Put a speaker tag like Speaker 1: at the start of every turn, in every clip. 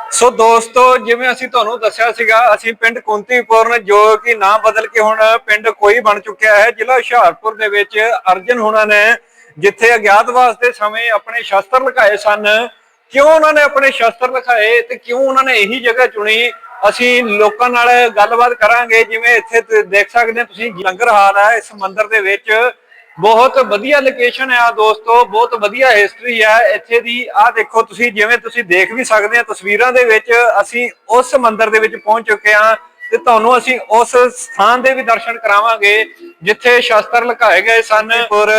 Speaker 1: ਸੋ ਦੋਸਤੋ, ਜਿਵੇਂ ਅਸੀਂ ਤੁਹਾਨੂੰ ਦੱਸਿਆ ਸੀਗਾ, ਅਸੀਂ ਪਿੰਡ ਕੁੰਤੀਪੁਰਨ ਜੋ ਕਿ ਨਾਂ ਬਦਲ ਕੇ ਹੁਣ ਪਿੰਡ ਕੋਈ ਬਣ ਚੁੱਕਿਆ ਹੈ, ਜ਼ਿਲ੍ਹਾ ਹੁਸ਼ਿਆਰਪੁਰ ਦੇ ਵਿੱਚ ਅਰਜਨ ਹੁਣਾਂ ਨੇ ਜਿੱਥੇ ਅਗਿਆਤਵਾਸ ਦੇ ਸਮੇਂ ਆਪਣੇ ਸ਼ਸਤਰ ਲੁਕਾਏ ਸਨ। ਕਿਉਂ ਉਹਨਾਂ ਨੇ ਆਪਣੇ ਸ਼ਸਤਰ ਲੁਕਾਏ ਤੇ ਕਿਉਂ ਉਹਨਾਂ ਨੇ ਇਹੀ ਜਗ੍ਹਾ ਚੁਣੀ, ਅਸੀਂ ਲੋਕਾਂ ਨਾਲ ਗੱਲਬਾਤ ਕਰਾਂਗੇ। ਜਿਵੇਂ ਇੱਥੇ ਦੇਖ ਸਕਦੇ ਹੋ ਤੁਸੀਂ, ਲੰਗਰ ਹਾਲ ਹੈ ਇਸ ਮੰਦਿਰ ਦੇ ਵਿੱਚ। ਬਹੁਤ ਵਧੀਆ ਲੋਕੇਸ਼ਨ ਹੈ ਦੋਸਤੋ, ਬਹੁਤ ਵਧੀਆ ਹਿਸਟਰੀ ਹੈ ਇੱਥੇ ਦੀ। ਆਹ ਦੇਖੋ ਤੁਸੀਂ, ਜਿਵੇਂ ਤੁਸੀਂ ਦੇਖ ਵੀ ਸਕਦੇ ਆ ਤਸਵੀਰਾਂ ਦੇ ਵਿੱਚ, ਅਸੀਂ ਉਸ ਮੰਦਿਰ ਦੇ ਵਿੱਚ ਪਹੁੰਚ ਚੁੱਕੇ ਹਾਂ ਤੇ ਤੁਹਾਨੂੰ ਅਸੀਂ ਉਸ ਸਥਾਨ ਦੇ ਵੀ ਦਰਸ਼ਨ ਕਰਾਵਾਂਗੇ ਜਿੱਥੇ ਸ਼ਸਤਰ ਲੁਕਾਏ ਗਏ ਸਨ। ਔਰ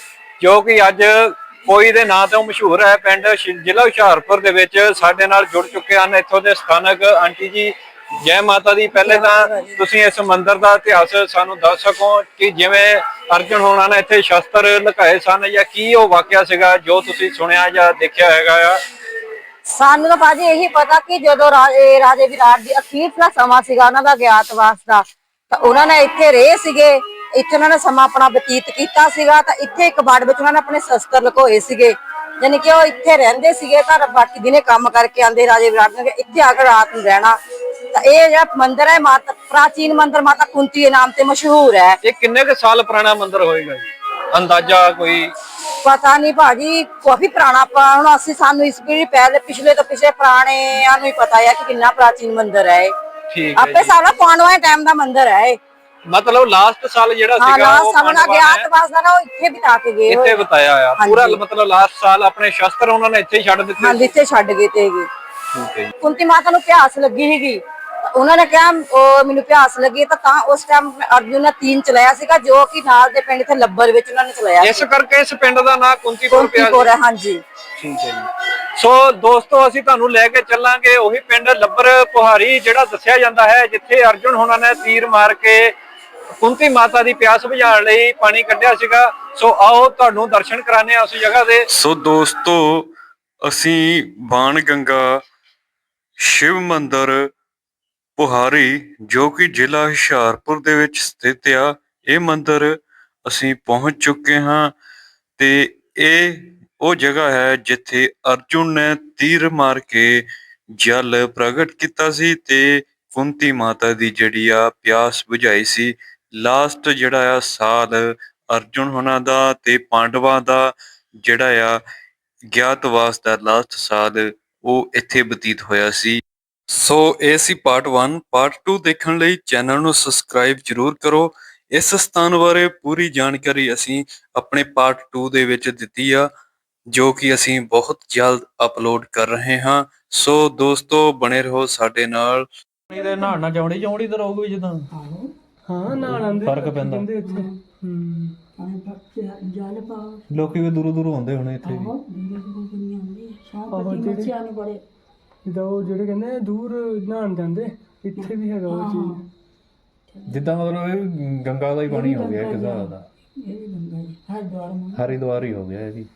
Speaker 1: ਜੋ ਕਿ ਅੱਜ ਕੋਈ ਦੇ ਨਾਂ ਤੋਂ ਮਸ਼ਹੂਰ ਹੈ ਪਿੰਡ ਜ਼ਿਲ੍ਹਾ ਹੁਸ਼ਿਆਰਪੁਰ ਦੇ ਵਿੱਚ। ਸਾਡੇ ਨਾਲ ਜੁੜ ਚੁੱਕੇ ਹਨ ਇੱਥੋਂ ਦੇ ਸਥਾਨਕ ਆਂਟੀ ਜੀ। ਜੈ ਮਾਤਾ ਦੀ। ਪਹਿਲੇ ਤਾਂ ਤੁਸੀਂ ਇਸ ਮੰਦਿਰ ਦਾ ਇਤਿਹਾਸ ਸਾਨੂੰ ਦੱਸ ਸਕੋ ਕਿ ਜਿਵੇਂ ਅਰਜਨ ਹੋਣਾ ਨੇ ਇੱਥੇ ਸ਼ਸਤਰ ਲੁਕਾਏ ਸਨ, ਜਾਂ ਕੀ ਉਹ ਵਾਕਿਆ ਸੀਗਾ ਜੋ ਤੁਸੀਂ ਸੁਣਿਆ ਜਾਂ ਦੇਖਿਆ ਹੈਗਾ ਆ।
Speaker 2: ਸਾਨੂੰ ਤਾਂ ਭਾਜੀ ਇਹੀ ਪਤਾ ਕਿ ਜਦੋਂ ਰਾਜੇ ਵਿਰਾਟ ਦੀ ਅਖੀਰਲਾ ਸਮਾਂ ਸੀਗਾ ਉਹਨਾਂ ਦਾ ਗਿਆਤਵਾਸ ਦਾ, ਤਾਂ ਉਹਨਾਂ ਨੇ ਇੱਥੇ ਰਹੇ ਸੀਗੇ। ਇੱਥੇ ਉਹਨਾਂ ਨੇ ਸਮਾਂ ਆਪਣਾ ਬਤੀਤ ਕੀਤਾ ਸੀਗਾ। ਤਾਂ ਇੱਥੇ ਇੱਕ ਬਾੜ ਵਿੱਚ ਉਹਨਾਂ ਨੇ ਆਪਣੇ ਸ਼ਸਤਰ ਲੁਕੋਏ ਸੀਗੇ, ਯਾਨੀ ਕਿ ਉਹ ਇੱਥੇ ਰਹਿੰਦੇ ਸੀਗੇ। ਤਾਂ ਬਾਕੀ ਦਿਨੇ ਕੰਮ ਕਰਕੇ ਆਉਂਦੇ ਰਾਜੇ ਵਿਰਾਟ ਨੇ ਇੱਥੇ ਆ ਕੇ ਰਾਤ ਨੂੰ ਰਹਿਣਾ। ਤਾਂ ਇਹ ਜਿਹੜਾ ਮੰਦਿਰ ਹੈ, ਮਾਤਾ ਪ੍ਰਾਚੀਨ ਮੰਦਿਰ ਮਾਤਾ ਕੁੰਤੀ ਦੇ ਨਾਮ ਤੇ ਮਸ਼ਹੂਰ ਹੈ।
Speaker 1: ਇਹ ਕਿੰਨੇ ਕੁ ਸਾਲ ਪੁਰਾਣਾ ਮੰਦਿਰ ਹੋਏਗਾ ਜੀ, ਅੰਦਾਜ਼ਾ ਕੋਈ?
Speaker 2: ਪਤਾ ਨਹੀਂ ਭਾਜੀ, ਕਾਫੀ ਪੁਰਾਣਾ। ਹੁਣ ਅਸੀਂ ਸਾਨੂੰ ਇਸ ਪੀੜੀ ਪਹਿਲੇ ਪਿਛਲੇ ਤੋਂ ਪਿਛਲੇ ਪੁਰਾਣਿਆਂ ਨੂੰ ਹੀ ਪਤਾ ਹੈ ਕਿ ਕਿੰਨਾ ਪ੍ਰਾਚੀਨ ਮੰਦਿਰ ਹੈ।
Speaker 1: ਠੀਕ ਹੈ
Speaker 2: ਆਪੇ ਸਾਰਾ ਪਾਂਡਵਾਂ ਦੇ ਟਾਈਮ ਦਾ ਮੰਦਿਰ ਹੈ।
Speaker 1: ਮਤਲਬ ਲਾਸਟ ਸਾਲ ਜਿਹੜਾ ਸੀਗਾ ਉਹ
Speaker 2: ਪਾਂਡਵਾਂ ਗਿਆਤਵਾਸ ਦਾ ਨਾ, ਉਹ ਇੱਥੇ ਬਿਤਾ ਕੇ ਗਏ,
Speaker 1: ਇੱਥੇ ਬਿਤਾਇਆ ਆ ਪੂਰਾ। ਮਤਲਬ ਲਾਸਟ ਸਾਲ ਆਪਣੇ ਸ਼ਸਤਰ ਉਹਨਾਂ ਨੇ ਇੱਥੇ ਹੀ ਛੱਡ ਦਿੱਤੇ।
Speaker 2: ਹਾਂਜੀ, ਇੱਥੇ ਛੱਡ ਗਏ ਤੇ
Speaker 1: ਠੀਕ ਹੈ ਜੀ।
Speaker 2: ਕੁੰਤੀ ਮਾਤਾ ਨੂੰ ਪਿਆਸ ਲੱਗੀ ਸੀਗੀ। ਉਹਨਾਂ ਨੇ ਕਿਹਾ ਉਹ ਮੈਨੂੰ ਪਿਆਸ ਲੱਗੀ, ਤਾਂ ਉਸ ਟਾਈਮ ਅਰਜੁਨ ਨੇ ਤੀਰ ਚਲਾਇਆ ਸੀਗਾ, ਜੋ ਕਿ ਨਾਲ ਦੇ ਪਿੰਡ ਇੱਥੇ ਲੱਭਰ ਵਿੱਚ ਉਹਨਾਂ ਨੇ ਚਲਾਇਆ।
Speaker 1: ਇਸ ਕਰਕੇ ਇਸ ਪਿੰਡ ਦਾ ਨਾਮ ਕੁੰਤੀਪੁਰ ਪਿਆ
Speaker 2: ਹੈ। ਹਾਂਜੀ,
Speaker 1: ਠੀਕ ਹੈ ਜੀ। ਸੋ ਦੋਸਤੋ, ਅਸੀਂ ਤੁਹਾਨੂੰ ਲੈ ਕੇ ਚੱਲਾਂਗੇ ਉਹੀ ਪਿੰਡ ਲੱਭਰ ਪੁਹਾਰੀ ਜਿਹੜਾ ਦੱਸਿਆ ਜਾਂਦਾ ਹੈ ਜਿੱਥੇ ਅਰਜੁਨ ਹੋਣਾ ਨੇ ਤੀਰ ਮਾਰ ਕੇ ਕੁੰਤੀ ਮਾਤਾ ਦੀ ਪਿਆਸ ਬੁਝਾਉਣ ਲਈ ਪਾਣੀ ਕੱਢਿਆ ਸੀਗਾ। ਸੋ ਆਓ ਤੁਹਾਨੂੰ ਦਰਸ਼ਨ ਕਰਾਣੇ ਆ ਉਸ ਜਗ੍ਹਾ ਦੇ। ਸੋ ਦੋਸਤੋ, ਅਸੀਂ ਬਾਣ ਗੰਗਾ ਸ਼ਿਵ ਮੰਦਿਰ ਪੁਹਾਰੀ ਜੋ ਕਿ ਜ਼ਿਲ੍ਹਾ ਹੁਸ਼ਿਆਰਪੁਰ ਦੇ ਵਿੱਚ ਸਥਿਤ ਆ, ਇਹ ਮੰਦਿਰ ਅਸੀਂ ਪਹੁੰਚ ਚੁੱਕੇ ਹਾਂ ਤੇ ਇਹ ਉਹ ਜਗ੍ਹਾ ਹੈ ਜਿੱਥੇ ਅਰਜੁਨ ਨੇ ਤੀਰ ਮਾਰ ਕੇ ਜਲ ਪ੍ਰਗਟ ਕੀਤਾ ਸੀ ਤੇ ਕੁੰਤੀ ਮਾਤਾ ਦੀ ਜਿਹੜੀ ਆ ਪਿਆਸ ਬੁਝਾਈ ਸੀ। ਲਾਸਟ ਜਿਹੜਾ ਆ ਸਾਲ ਅਰਜੁਨ ਹੋਣਾ ਦਾ ਤੇ ਪਾਂਡਵਾਂ ਦਾ ਜਿਹੜਾ ਆ ਗਿਆਤਵਾਸ ਦਾ ਲਾਸਟ ਸਾਲ ਉਹ ਇੱਥੇ ਬਤੀਤ ਹੋਇਆ ਸੀ। ਸੋ ਇਹ ਸੀ ਪਾਰਟ 1। ਪਾਰਟ 2 ਦੇਖਣ ਲਈ ਚੈਨਲ ਨੂੰ ਸਬਸਕ੍ਰਾਈਬ ਜ਼ਰੂਰ ਕਰੋ। ਇਸ ਸਥਾਨ ਬਾਰੇ ਪੂਰੀ ਜਾਣਕਾਰੀ ਅਸੀਂ ਆਪਣੇ ਪਾਰਟ 2 ਦੇ ਵਿੱਚ ਦਿੱਤੀ ਆ, ਜੋ ਕਿ ਅਸੀਂ ਬਹੁਤ ਜਲਦ ਅਪਲੋਡ ਕਰ ਰਹੇ ਹਾਂ। ਸੋ ਦੋਸਤੋ, ਬਣੇ ਰਹੋ ਸਾਡੇ ਨਾਲ।
Speaker 3: ਇਹਦੇ ਨਹਾਣਾ ਚੌੜੀ ਚੌੜੀ ਤੇ ਰਹੂਗੀ ਜਿੱਦਾਂ। ਹਾਂ, ਨਹਾਣ ਦੇ ਫਰਕ ਪੈਂਦਾ। ਲੋਕੀ ਵੀ ਦੂਰੋਂ ਦੂਰੋਂ ਆਉਂਦੇ ਹੋਣੇ ਇੱਥੇ ਵੀ। ਜਿੱਦਾਂ ਉਹ ਜਿਹੜੇ ਕਹਿੰਦੇ ਦੂਰ ਨਹਾਣ ਜਾਂਦੇ, ਇੱਥੇ ਵੀ ਹੈਗਾ ਉਹ ਚੀਜ਼। ਜਿੱਦਾਂ ਮਤਲਬ ਇਹ ਗੰਗਾ ਦਾ ਹੀ ਪਾਣੀ ਹੋ ਗਿਆ ਇੱਕ ਹਿਸਾਬ ਦਾ। ਹਰਿਦੁਆਰ ਹੀ ਹੋ ਗਿਆ ਇਹ ਵੀ।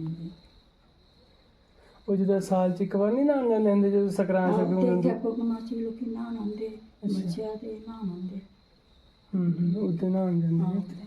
Speaker 3: ਉਹ ਜਿੱਦਾਂ ਸਾਲ 'ਚ ਇੱਕ ਵਾਰ ਨਹੀਂ ਨਹਾਣ ਜਾਂਦੇ ਹੁੰਦੇ, ਜਦੋਂ ਸਕਰਾਂਤ ਸਕੂਨ ਹੁੰਦੀ। ਉੱਥੇ ਨਹਾਣ ਜਾਂਦੇ।